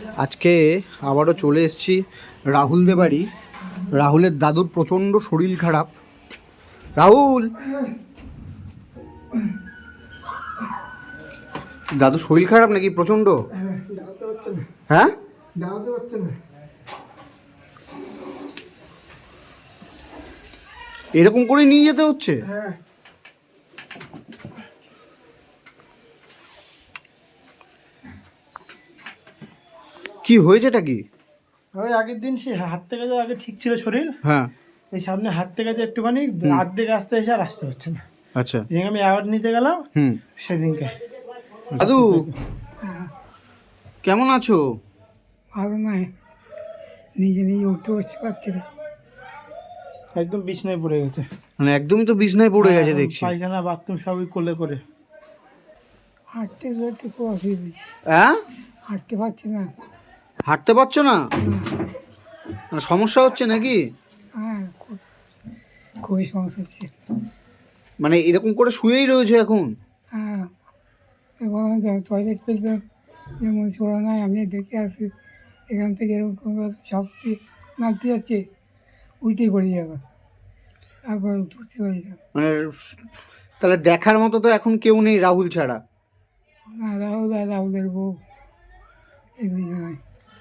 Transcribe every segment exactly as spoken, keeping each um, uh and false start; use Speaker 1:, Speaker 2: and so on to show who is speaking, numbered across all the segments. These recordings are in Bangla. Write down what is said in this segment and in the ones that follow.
Speaker 1: আজকে আবারও চলে এসেছি রাহুলদের বাড়ি। রাহুলের দাদুর প্রচণ্ড শরীর খারাপ। রাহুল, দাদু শরীর খারাপ নাকি প্রচণ্ড? হ্যাঁ, এরকম করে নিয়ে যেতে হচ্ছে? কি হয়েছেটা কি?
Speaker 2: ওই আগের দিন সে হাঁটতে গেছে, আগে ঠিক ছিল শরীর।
Speaker 1: হ্যাঁ,
Speaker 2: এই সামনে হাঁটতে গেছে একটুখানি, আর্ধেক আসতে এসে আর আসতে পারছে না।
Speaker 1: আচ্ছা,
Speaker 2: যেদিন আমি অ্যাওয়ার্ড নিতে গেলাম
Speaker 1: হুম,
Speaker 2: সেদিনকে।
Speaker 1: দাদু কেমন আছো?
Speaker 2: ভালো নয়, নিজে নিজে উঠতে বসতে পারছি না, একদম বিছনায় পড়ে গেছে।
Speaker 1: মানে একদমই তো বিছনায় পড়ে গেছে দেখছি।
Speaker 2: পায়খানা বাথরুম সবই কোলে করে। হাঁটতে চলতে খুব অসুবিধা,
Speaker 1: হ্যাঁ,
Speaker 2: হাঁটতে পারছি না।
Speaker 1: হাঁটতে পারছো না? মানে সমস্যা হচ্ছে নাকি?
Speaker 2: হ্যাঁ, খুব খুবই সমস্যা হচ্ছে।
Speaker 1: মানে এরকম করে শুয়েই রয়েছে এখন?
Speaker 2: হ্যাঁ, এবং টয়লেট পেলাম, যেমন ছোড়া নাই, আমি দেখে আসি এখান থেকে এরকম সব নামতে যাচ্ছে, উল্টে পড়ে যাবে, তারপর উঠতে পারি না।
Speaker 1: মানে তাহলে দেখার মতো তো এখন কেউ নেই রাহুল ছাড়া?
Speaker 2: না, রাহুল আর রাহুলের বউ, এই দুজনে।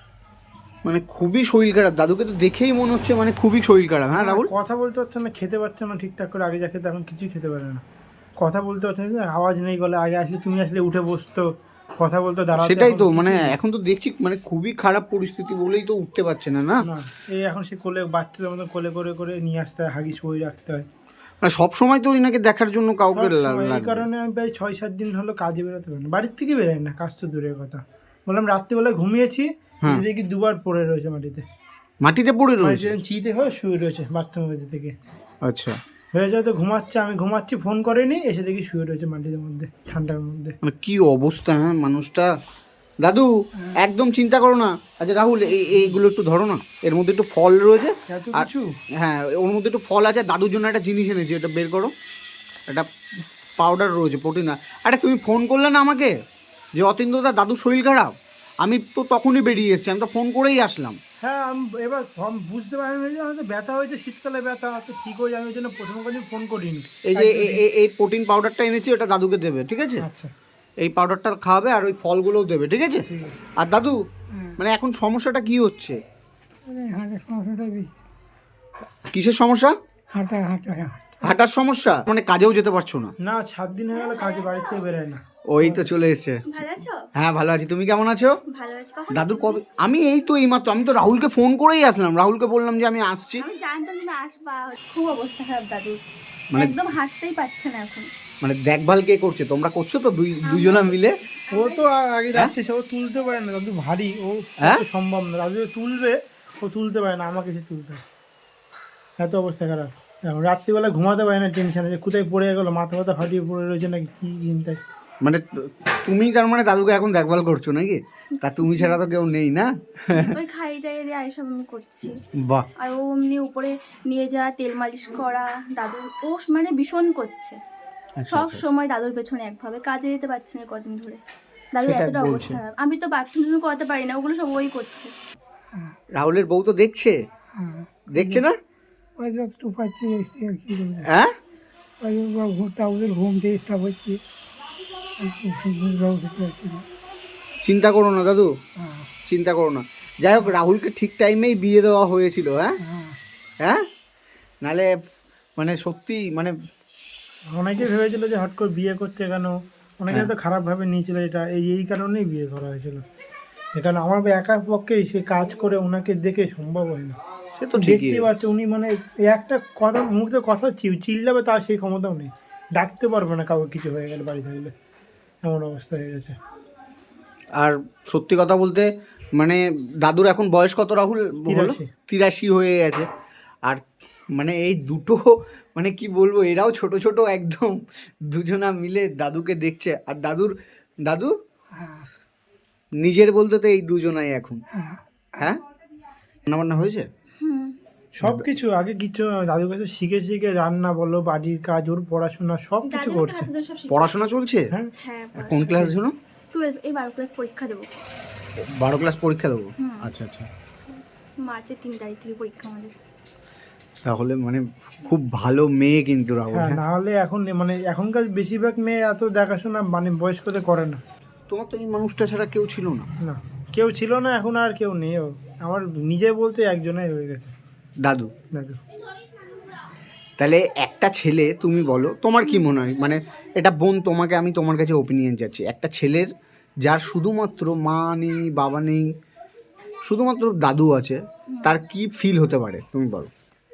Speaker 1: মানে খুবই শরীর খারাপ, দাদুকে তো দেখেই মনে হচ্ছে মানে খুবই শরীর খারাপ। হ্যাঁ রাহুল,
Speaker 2: কথা বলতে পারছে না, খেতে পারছে না ঠিকঠাক করে। আগে যা খেতে এখন কিছুই খেতে পারে না, কথা বলতে পারছে না, আওয়াজ নেই গলে। আগে আসলে তুমি আসলে উঠে বসতো, কথা বলতে দাঁড়াতো।
Speaker 1: সেটাই তো, মানে এখন তো দেখছি মানে খুবই খারাপ পরিস্থিতি বলেই তো উঠতে পারছে না। না,
Speaker 2: না, এই এখন সে কোলে বাচ্চাদের মতো কোলে করে করে নিয়ে আসতে হয়, হাগিস বই রাখতে হয়।
Speaker 1: মানে সব সময় তো ওনাকে দেখার জন্য কাউকে
Speaker 2: সবসময়। এই
Speaker 1: লাগবে।
Speaker 2: কারণে আমি প্রায় ছয় সাত দিন হলো কাজে বেরোতে পারি না, বাড়ির থেকে বেরোয় না, কাজ তো দূরের কথা। বললাম রাত্রিবেলায় ঘুমিয়েছি, দেখি দুবার পড়ে রয়েছে মাটিতে।
Speaker 1: মাটিতে পড়ে রয়েছে?
Speaker 2: চিতে হয়ে শুয়ে রয়েছে বাথরুমের মধ্যে থেকে।
Speaker 1: আচ্ছা,
Speaker 2: হয়ে যায় তো ঘুমাচ্ছে, আমি ঘুমাচ্ছি, ফোন করেনি, এসে দেখি শুয়ে রয়েছে মাটির মধ্যে, ঠান্ডার মধ্যে।
Speaker 1: মানে কি অবস্থা! হ্যাঁ মানুষটা। দাদু একদম চিন্তা করো না। আচ্ছা রাহুল, এই এইগুলো একটু ধরো না, এর মধ্যে একটু ফল রয়েছে।
Speaker 2: এত
Speaker 1: আর
Speaker 2: কিছু?
Speaker 1: হ্যাঁ, ওর মধ্যে একটু ফল আছে। দাদুর জন্য একটা জিনিস এনেছি, এটা বের করো। একটা পাউডার রয়েছে, প্রোটিন। আরে তুমি ফোন করলে না আমাকে যে অতীন্দ্রদা দাদুর শরীর খারাপ, আমি তো তখনই বেরিয়ে এসেছি, আমি তো ফোন করেই আসলাম।
Speaker 2: হ্যাঁ, আমি এবার আমি বুঝতে পারিনি যে হয়তো ব্যথা হয়েছে, শীতকালে ব্যথা হয়তো ঠিক হয়ে যাবে, ওই জন্য প্রথমে কোনো ফোন করিনি।
Speaker 1: এই যে এ- এ- এই প্রোটিন পাউডারটা এনেছি, ওটা দাদুকে দেবে, ঠিক আছে?
Speaker 2: আচ্ছা,
Speaker 1: এই পাউডারটা খাওয়াবে আর ওই ফলগুলোও দেবে, ঠিক আছে?
Speaker 2: ঠিক আছে।
Speaker 1: আর দাদু মানে এখন সমস্যাটা কি হচ্ছে?
Speaker 2: হাঁটার সমস্যাটা বেশি।
Speaker 1: কিসের সমস্যা?
Speaker 2: হাঁটা হাঁটা
Speaker 1: হাঁটার সমস্যা? মানে কাজেও যেতে পারছো না?
Speaker 2: না, সাত দিন হয়ে গেল কাজে, বাড়ি থেকে বেরোয় না।
Speaker 1: ওই তো চলে এসেছে।
Speaker 3: ভালো আছো?
Speaker 1: হ্যাঁ ভালো আছি, তুমি কেমন আছো?
Speaker 3: ভালো আছি। কখন
Speaker 1: দাদুর কবে? আমি এই তো এইমাত্র, আমি তো রাহুলকে ফোন করেই আসলাম, রাহুলকে বললাম যে আমি আসছি।
Speaker 3: আমি জানতাম তুমি আসবা। খুব অবস্থা খারাপ দাদু,
Speaker 1: মানে
Speaker 3: একদম হাঁটতেই পারছে না এখন।
Speaker 1: মানে দেখভাল কে করছে? তোমরা করছো তো দুই দুজনা মিলে?
Speaker 2: ও তো আগে রাত্রে সে ও তুলতে পারে না, দাদু ভারী, ও
Speaker 1: হ্যাঁ?
Speaker 2: সম্ভব না। দাদু তুলবে, ও তুলতে পারে না, আমাকে সে তুলতে হয়, এত অবস্থা খারাপ। এখন রাত্রিবেলা ঘুমাতে পারে না, টেনশনে যে কোথায় পড়ে গেলো, মাথা মাথা ফাটিয়ে পড়ে রয়েছে নাকি কি চিন্তায়।
Speaker 1: মানে তুমি তার মানে দাদুকে এখন দেখভাল করছো নাকি? তা তুমি ছাড়া তো কেউ নেই না?
Speaker 3: ওই খাই টাই দিয়ে এইসব আমি করছি।
Speaker 1: বাহ,
Speaker 3: আর ও এমনি উপরে নিয়ে যাওয়া, তেল মালিশ করা, দাদুর ও মানে ভীষণ করছে।
Speaker 1: আচ্ছা,
Speaker 3: সব
Speaker 1: আচ্ছা।
Speaker 3: সময় দাদুর পেছনে একভাবে, কাজে যেতে পারছে না কদিন ধরে। দাদুর
Speaker 1: সেটা
Speaker 3: এতটা
Speaker 1: বলছে।
Speaker 3: অবস্থা খারাপ, আমি তো বাথরুম করতে পারি না, ওগুলো সব ওই করছে।
Speaker 1: রাহুলের বউ তো দেখছে, দেখছে না?
Speaker 2: ওই যতটুকু পাচ্ছি কি করবো,
Speaker 1: হ্যাঁ,
Speaker 2: ওদের ঘুম ডিস্টার্ব হচ্ছে, পারছি না।
Speaker 1: চিন্তা করো না দাদু, চিন্তা করো না। যাই হোক, রাহুলকে ঠিক টাইমেই বিয়ে দেওয়া হয়েছিল। হ্যাঁ হ্যাঁ, নালে মানে সত্যি মানে
Speaker 2: অনেকে ভেবেছিল যে হট করে বিয়ে করছে কেন, অনেকে তো খারাপভাবে নিয়েছিল এটা, এই এই কারণেই বিয়ে করা হয়েছিল। এখানে আমার একার পক্ষেই সে কাজ করে ওনাকে দেখে সম্ভব হয় না।
Speaker 1: সে তো ঠিকই।
Speaker 2: দেখতেই পাচ্ছে উনি মানে এই একটা কথা, মুখ দিয়ে কথা চিল্লাবে, তার সেই ক্ষমতাও নেই, ডাকতে পারবে না কাউকে কিছু হয়ে গেলে বাড়ি থাকলে, এমন অবস্থা হয়ে গেছে।
Speaker 1: আর সত্যি কথা বলতে মানে দাদুর এখন বয়স কত রাহুল? হলো
Speaker 2: তিরাশি।
Speaker 1: তিরাশি হয়ে গেছে। আর মানে এই দুটো মানে কি বলবো, এরাও ছোট ছোট একদম, দুজনা মিলে দাদুকে দেখছে। আর দাদুর দাদু নিজের বলতে তো এই দুজনাই এখন। হ্যাঁ, রান্না বান্না হয়েছে?
Speaker 3: হুম,
Speaker 2: সব কিছু আগে কিছু দাদুর কাছে শিখে শিখে রান্না বলো, বাড়ির কাজ, ওর পড়াশোনা সব কিছু
Speaker 3: দাদুর
Speaker 2: করছে।
Speaker 3: হাতে ধরে সব শিখে-
Speaker 1: পড়াশোনা চলছে?
Speaker 2: হ্যাঁ,
Speaker 3: হ্যাঁ,
Speaker 1: কোন ক্লাস জন্য?
Speaker 3: টুয়েলভ, এই বারো ক্লাস পরীক্ষা দেবো।
Speaker 1: বারো ক্লাস পরীক্ষা দেবো।
Speaker 3: হুম।
Speaker 1: আচ্ছা আচ্ছা,
Speaker 3: মার্চের তিন তারিখ থেকে পরীক্ষা আমাদের।
Speaker 1: তাহলে মানে খুব ভালো মেয়ে কিন্তু রাহুল।
Speaker 2: হ্যাঁ,
Speaker 1: হ্যাঁ,
Speaker 2: না হলে এখন মানে এখনকার বেশিরভাগ মেয়ে এত দেখাশোনা মানে বয়স্কদের করে না।
Speaker 1: তোমার তো এই মানুষটা ছাড়া কেউ ছিল না।
Speaker 2: না, কেউ ছিল না, এখন আর কেউ নেই। ও আমার নিজে বলতে একজনই হয়ে গেছে,
Speaker 1: দাদু।
Speaker 2: দাদু।
Speaker 1: তাহলে একটা ছেলে, তুমি বলো তোমার কি মনে হয়, মানে এটা বোন তোমাকে আমি তোমার কাছে ওপিনিয়ন চাচ্ছি, একটা ছেলের যার শুধুমাত্র মা নেই বাবা নেই শুধুমাত্র দাদু আছে, তার কি ফিল হতে পারে তুমি বলো।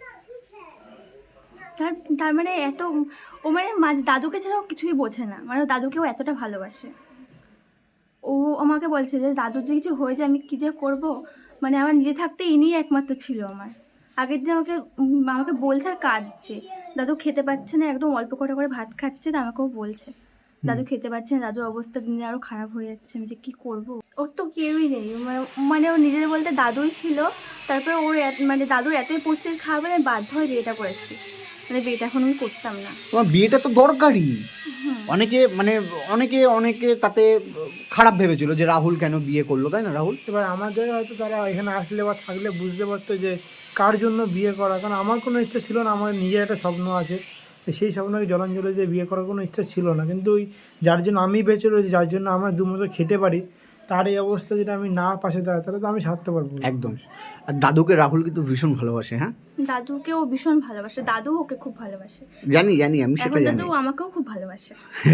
Speaker 3: তার তার মানে এত ও মানে মা- দাদুকে ছাড়াও কিছুই বোঝে না, মানে ও দাদুকেও এতটা ভালোবাসে। ও আমাকে বলছে যে দাদুর যে কিছু হয়েছে আমি কী যে করবো, মানে আমার নিজে থাকতে ইনিই একমাত্র ছিল আমার। আগের দিন আমাকে উম, আমাকে বলছে আর কাঁদছে, দাদু খেতে পাচ্ছে না, একদম অল্প কটা করে ভাত খাচ্ছে, তা আমাকেও বলছে দাদু খেতে পাচ্ছে না, দাদুর অবস্থা দিনে আরও খারাপ হয়ে যাচ্ছে, আমি যে কী করবো। ওর তো কেউই নেই, মানে মানে ও নিজের বলতে দাদুই ছিল। তারপরে ওর এত- মানে দাদুর এতই পরিস্থিতি খারাপ হলে আমি বাধ্য হয়ে বিয়েটা করেছি, মানে বিয়েটা এখন আমি করতাম না।
Speaker 1: তোমার বিয়েটা তো দরকারি। অনেকে মানে অনেকে অনেকে তাতে খারাপ ভেবেছিল যে রাহুল কেন বিয়ে করলো, তাই না রাহুল?
Speaker 2: এবার আমার জায়গায় হয়তো তারা এখানে আসলে বা থাকলে বুঝতে পারতো যে কার জন্য বিয়ে করা। কারণ আমার কোনো ইচ্ছা ছিল না, আমার নিজের একটা স্বপ্ন আছে, তো সেই স্বপ্নকে জলাঞ্জলি দিয়ে বিয়ে করার কোনো ইচ্ছা ছিল না। কিন্তু ওই যার জন্য আমি বেঁচে রয়েছি, যার জন্য আমার দুমতো খেতে পারি, তার এই অবস্থা যেটা আমি না পাশে দাঁড়াই, তাহলে তো আমি ছাড়তে পারবো না।
Speaker 1: একদম। আর দাদুকে রাহুল কিন্তু ভীষণ ভালোবাসে। হ্যাঁ,
Speaker 3: দাদুকেও ভীষণ ভালোবাসে, দাদু ওকে খুব ভালোবাসে,
Speaker 1: জানি জানি আমি সেটা
Speaker 3: এখন
Speaker 1: জানি।
Speaker 3: দাদু আমাকেও খুব ভালোবাসে।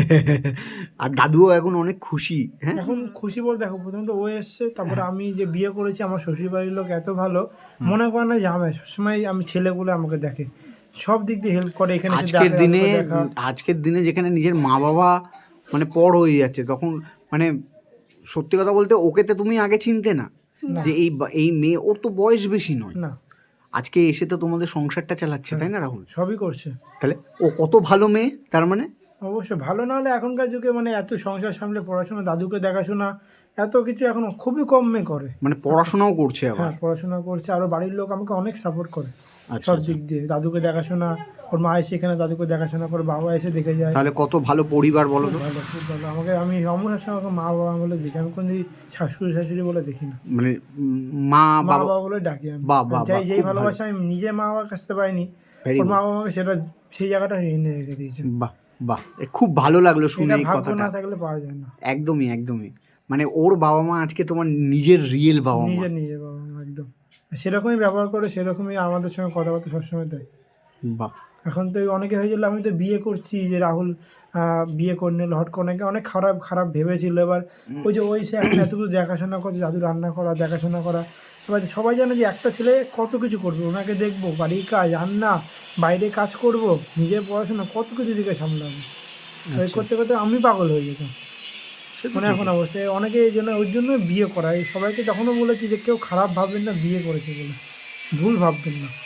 Speaker 1: আর দাদুও এখন অনেক খুশি। হ্যাঁ,
Speaker 2: এখন খুশি বলতে দেখো, প্রথমত ও এসছে, তারপরে আমি যে বিয়ে করেছি, আমার শ্বশুর বাড়ির লোক এত ভালো, মনে করে না যে আমি সবসময় আমি ছেলে বলে আমাকে দেখে, সব দিক দিয়ে হেল্প করে। এখানে এসে
Speaker 1: আজকের
Speaker 2: দেখা,
Speaker 1: দিনে
Speaker 2: দাদুকে দেখা।
Speaker 1: আজকের দিনে যেখানে নিজের মা বাবা মানে পর হয়ে যাচ্ছে, তখন মানে সত্যি কথা বলতে ওকে তো তুমি আগে চিনতে না যে এই বা- এই মেয়ে, ওর তো বয়স বেশি নয়,
Speaker 2: না,
Speaker 1: আজকে এসে তো তোমাদের সংসারটা চালাচ্ছে, তাই না রাহুল?
Speaker 2: সবই করছে।
Speaker 1: তাহলে ও কত ভালো মেয়ে তার মানে।
Speaker 2: অবশ্যই ভালো না হলে এখনকার যুগে মানে এত সংসার সামলে পড়াশোনা, দাদুকে দেখাশোনা, এত কিছু এখন খুবই কম মেয়ে করে।
Speaker 1: মানে পড়াশোনাও করছে আবার।
Speaker 2: হ্যাঁ, পড়াশোনা করছে, আরও বাড়ির লোক আমাকে অনেক সাপোর্ট করে
Speaker 1: আচ্ছা,
Speaker 2: সব
Speaker 1: আচ্ছা।
Speaker 2: দিক দিয়ে। দাদুকে দেখাশোনা, ওর মা এসে এখানে দাদুকে দেখাশোনা করে, বাবা এসে দেখে যায়।
Speaker 1: তাহলে কত ভালো পরিবার বলো তো।
Speaker 2: খুব ভালো, খুব ভালো। আমাকে আমি আমার সঙ্গে আমাকে মা বাবা বলে দেখি, আমি কোনো শাশুড়ি শাশুড়ি বলে দেখি না,
Speaker 1: মানে উম, মা
Speaker 2: মা
Speaker 1: বাবা।
Speaker 2: বাবা বলে ডাকি আমি।
Speaker 1: বাহ, বাহ,
Speaker 2: যাই
Speaker 1: বাহ,
Speaker 2: যেই
Speaker 1: খুব ভালো।
Speaker 2: ভালোবাসা আমি নিজে মা বাবার কাছ থেকে পাইনি,
Speaker 1: Very
Speaker 2: ওর
Speaker 1: good.
Speaker 2: মা বাবা আমাকে সেটা সেই জায়গাটা এনে রেখে দিয়েছে।
Speaker 1: বাহ বাহ, এ খুব ভালো লাগলো শুনে
Speaker 2: এটা
Speaker 1: এই
Speaker 2: ভাগ্য
Speaker 1: কথাটা।
Speaker 2: না থাকলে পাওয়া যায় না।
Speaker 1: একদমই একদমই, মানে ওর বাবা মা আজকে তোমার নিজের রিয়েল বাবা মা।
Speaker 2: নিজের নিজের বাবা মা একদম সেরকমই ব্যবহার করে, সেরকমই আমাদের সঙ্গে কথাবার্তা সবসময় দেয়।
Speaker 1: বাহ,
Speaker 2: এখন তো অনেকে হয়েছিল আমি তো বিয়ে করছি যে রাহুল আহ, বিয়ে করে নিল হট করে, অনেকে অনেক খারাপ খারাপ ভেবেছিল। এবার ওই যে ওই সে এখন এতগুলো দেখাশোনা করছে, দাদু রান্না করা দেখাশোনা করা, এবার সবাই জানে যে একটা ছেলে কত কিছু করবে, ওনাকে দেখবো, বাড়ির কাজ, রান্না, বাইরে কাজ করব, নিজের পড়াশোনা, কত কিছু দিকে সামলাবো। ওই করতে করতে আমি পাগল হয়ে যেতাম। মানে এখন অবশ্যই অনেকে এই জন্য ওই জন্য বিয়ে করা। এই সবাইকে তখনও বলেছি যে কেউ খারাপ ভাববেন না বিয়ে করেছে বলে, ভুল ভাববেন না।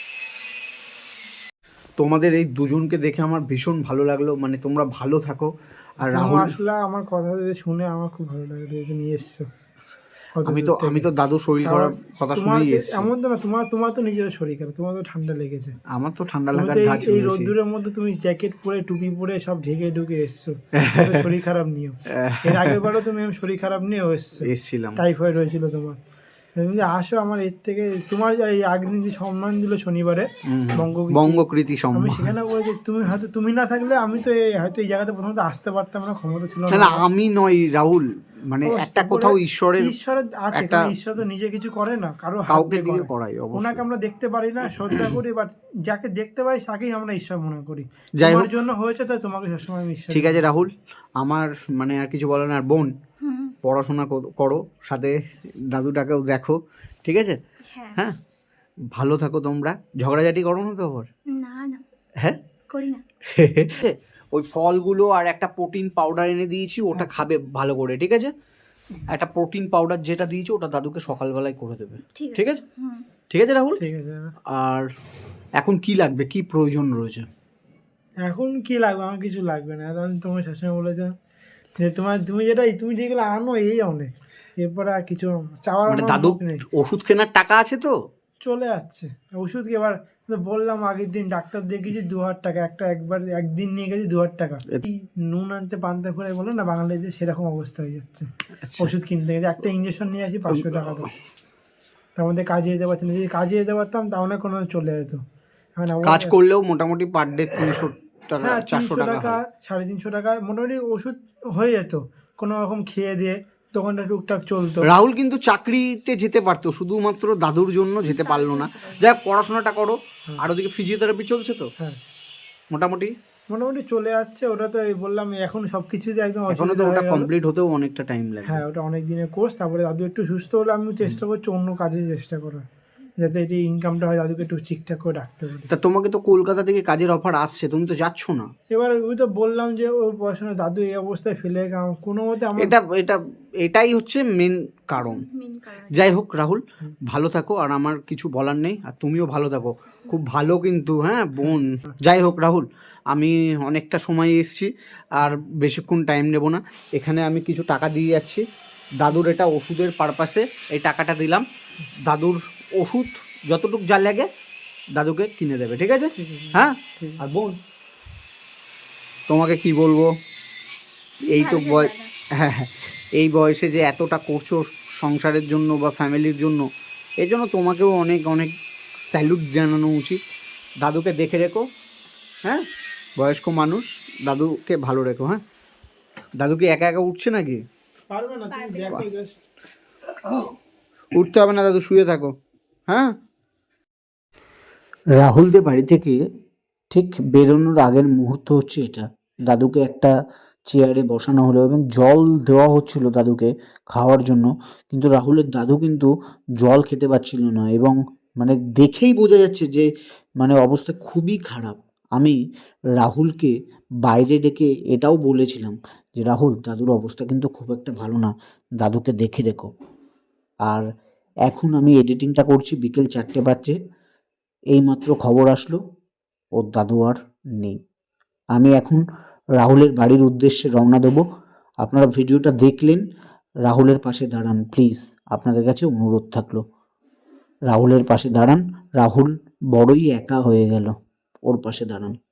Speaker 1: তোমাদের এই দুজনকে দেখে আমার ভীষণ ভালো লাগলো, মানে তোমরা ভালো থাকো। আর
Speaker 2: তুমি
Speaker 1: রাহুল,
Speaker 2: আসলে আমার কথা শুনে আমার খুব ভালো লাগলো যে তুমি এসছো অত
Speaker 1: আমি
Speaker 2: দূর
Speaker 1: তো
Speaker 2: থেকে।
Speaker 1: আমি তো দাদু শরীর খারাপ কথা
Speaker 2: তোমার
Speaker 1: শুনেই
Speaker 2: কি-
Speaker 1: এসেছি।
Speaker 2: এমন তো না, তোমার তোমার তো নিজের শরীর খারাপ, তোমার তো ঠান্ডা লেগেছে।
Speaker 1: আমার তো ঠান্ডা
Speaker 2: তুমি
Speaker 1: লাগার
Speaker 2: তো এই-
Speaker 1: ধাঁচ
Speaker 2: এই
Speaker 1: রয়েছে।
Speaker 2: রোদ্দুরের মধ্যে তুমি জ্যাকেট পরে টুপি পরে সব ঢেকে ঢুকে এসছো, তবে শরীর খারাপ নিয়েও। এর আগের বারও তুমি আমি শরীর খারাপ নিয়েও এসছো,
Speaker 1: এসছিলাম।
Speaker 2: টাইফয়েড হয়েছিল তোমার। তুমি যে আসো আমার এর থেকে, তোমার এই আগের দিন যে সম্মান দিল শনিবারে বঙ্গবীর,
Speaker 1: বঙ্গকৃতি
Speaker 2: আমি
Speaker 1: সম্মান।
Speaker 2: সেখানে বলেছি তুমি হয়তো তুমি না থাকলে আমি তো এই হয়তো এই জায়গাতে প্রথমত আসতে পারতাম না, ক্ষমতা ছিল
Speaker 1: না
Speaker 2: না।
Speaker 1: না, আমি নয় রাহুল, মানে
Speaker 2: ও,
Speaker 1: একটা
Speaker 2: তারপরে
Speaker 1: কোথাও ঈশ্বরের
Speaker 2: ঈশ্বরের আছে,
Speaker 1: একটা-
Speaker 2: কারণ ঈশ্বর তো নিজে কিছু করে না, কারো হাত
Speaker 1: কাউকে
Speaker 2: দিয়ে
Speaker 1: দিয়ে
Speaker 2: করে।
Speaker 1: করাই অবশ্যই।
Speaker 2: ওনাকে আমরা দেখতে পারি না, শ্রদ্ধা করি, বাট যাকে দেখতে পাই তাকেই আমরা ঈশ্বর মনে করি।
Speaker 1: যাই
Speaker 2: তোমার
Speaker 1: হোক।
Speaker 2: জন্য হয়েছে, তাই তোমাকে সবসময় আমি ঈশ্বর।
Speaker 1: ঠিক আছে রাহুল, আমার মানে আর কিছু বলার না। আর বোন,
Speaker 3: হুম,
Speaker 1: পড়াশোনা কর- করো, সাথে দাদুটাকেও দেখো, ঠিক আছে?
Speaker 3: হ্যাঁ।
Speaker 1: হ্যাঁ, ভালো থাকো তোমরা। ঝগড়াঝাটি করো না তো আবার?
Speaker 3: না না,
Speaker 1: হ্যাঁ,
Speaker 3: করি না।
Speaker 1: ওই ফলগুলো আর একটা প্রোটিন পাউডার এনে দিয়েছি, ওটা খাবে ভালো করে, ঠিক আছে? একটা প্রোটিন পাউডার যেটা দিয়েছি ওটা দাদুকে সকালবেলায় করে দেবে,
Speaker 3: ঠিক
Speaker 1: ঠিক আছে?
Speaker 3: হুম।
Speaker 1: ঠিক আছে রাহুল।
Speaker 2: ঠিক আছে।
Speaker 1: আর এখন কি লাগবে, কি প্রয়োজন রয়েছে?
Speaker 2: এখন কি লাগবে, আমার কিছু লাগবে না। এখন তোমার সবসময় বলেছো যে তোমার তুমি যেটা তুমি যেগুলো আনো এই অনেক, এরপরে আর কিছু চাওয়ার
Speaker 1: মানে
Speaker 2: আমার
Speaker 1: দাদু
Speaker 2: মুখ নেই।
Speaker 1: ওষুধ কেনার টাকা আছে তো?
Speaker 4: চলে যাচ্ছে ওষুধ কি এবার তো বললাম আগের দিন ডাক্তার দেখিয়েছি দু হাজার টাকা একটা, একবার একদিন নিয়ে গেছি দু হাজার টাকা। এই নুন আনতে পান্তা ফুরাই বলে না বাঙালিদের, সেরকম অবস্থা হয়ে যাচ্ছে। ওষুধ কিনতে গেছে একটা ইঞ্জেকশন নিয়ে আসি পাঁচশো টাকা তো, তার মধ্যে কাজে যেতে পারছি না। যদি কাজে যেতে পারতাম তাহলে কোনো চলে যেত। এখন
Speaker 1: কাজ করলেও মোটামুটি পার ডে তিনশো টাকা
Speaker 4: হ্যাঁ
Speaker 1: চারশো
Speaker 4: তিনশো
Speaker 1: টাকা
Speaker 4: টাকা
Speaker 1: হয়।
Speaker 4: সাড়ে তিনশো টাকা মোটামুটি ওষুধ হয়ে যেত কোনো রকম খেয়ে দিয়ে, দোকানটা টুকটাক চলতো।
Speaker 1: রাহুল কিন্তু চাকরিতে যেতে পারতো, শুধুমাত্র দাদুর জন্য যেতে পারলো না। যাই হোক, পড়াশোনাটা করো, আর ওদিকে ফিজিওথেরাপি চলছে তো
Speaker 4: হ্যাঁ
Speaker 1: মোটামুটি
Speaker 4: মোটামুটি চলে যাচ্ছে। ওটা তো এই বললাম এখন সব কিছুতে একদম
Speaker 1: এখনো তো
Speaker 4: অসুবিধা
Speaker 1: ওটা
Speaker 4: হয়ে গেল।
Speaker 1: কমপ্লিট হতেও অনেকটা টাইম লাগে।
Speaker 4: হ্যাঁ ওটা অনেক দিনের কোর্স। তারপরে দাদু একটু সুস্থ হলে আমি চেষ্টা করছি অন্য কাজে চেষ্টা করার, যাতে এই যে ইনকামটা হয় দাদুকে একটু ঠিকঠাক করে রাখতে পারি।
Speaker 1: তা তোমাকে তো কলকাতা থেকে কাজের অফার আসছে, তুমি তো যাচ্ছ না।
Speaker 4: এবার ওই তো বললাম যে ওর পড়াশোনা দাদু এই অবস্থায় ফেলে গেলাম কোনো মতে আমার।
Speaker 1: এটা এটা এটাই হচ্ছে মেন কারণ।
Speaker 3: মেন কারণ।
Speaker 1: যাই হোক রাহুল, ভালো থাকো, আর আমার কিছু বলার নেই, আর তুমিও ভালো থাকো, খুব ভালো কিন্তু, হ্যাঁ বোন। যাই হোক রাহুল, আমি অনেকটা সময় এসেছি, আর বেশিক্ষণ টাইম নেব না। এখানে আমি কিছু টাকা দিয়ে যাচ্ছি দাদুর, এটা ওষুধের পারপাসে এই টাকাটা দিলাম। দাদুর ওষুধ যতটুকু যা লাগে দাদুকে কিনে দেবে, ঠিক আছে? হ্যাঁ। আর বোন তোমাকে কি বলবো, এই তো বয় হ্যাঁ হ্যাঁ এই বয়সে যে এতটা করছো সংসারের জন্য বা ফ্যামিলির জন্য, এই জন্য তোমাকেও অনেক অনেক স্যালুট জানানো উচিত। দাদুকে দেখে রেখো, হ্যাঁ, বয়স্ক মানুষ, দাদুকে ভালো রেখো। হ্যাঁ, দাদু কি একা একা উঠছে নাকি?
Speaker 4: পারবে না তুমি দেখো just।
Speaker 1: উঠতে হবে না দাদু, শুয়ে থাকো। হ্যাঁ। রাহুলদের বাড়ি থেকে ঠিক বেরোনোর আগের মুহূর্ত হচ্ছে এটা। দাদুকে একটা চেয়ারে বসানো হলো এবং জল দেওয়া হচ্ছিল দাদুকে খাওয়ার জন্য, কিন্তু রাহুলের দাদু কিন্তু জল খেতে পারছিল না, এবং মানে দেখেই বোঝা যাচ্ছে যে মানে অবস্থা খুবই খারাপ। আমি রাহুলকে বাইরে ডেকে এটাও বলেছিলাম যে রাহুল, দাদুর অবস্থা কিন্তু খুব একটা ভালো না, দাদুকে দেখে রেখো। আর এখন আমি এডিটিংটা করছি, বিকেল চারটে বাজছে, এইমাত্র খবর আসলো ওর দাদু আর নেই। আমি এখন রাহুলের বাড়ির উদ্দেশ্যে রওনা দেবো। আপনারা ভিডিওটা দেখলেন, রাহুলের পাশে দাঁড়ান প্লিজ, আপনাদের কাছে অনুরোধ থাকলো, রাহুলের পাশে দাঁড়ান। রাহুল বড়ই একা হয়ে গেল, ওর পাশে দাঁড়ান।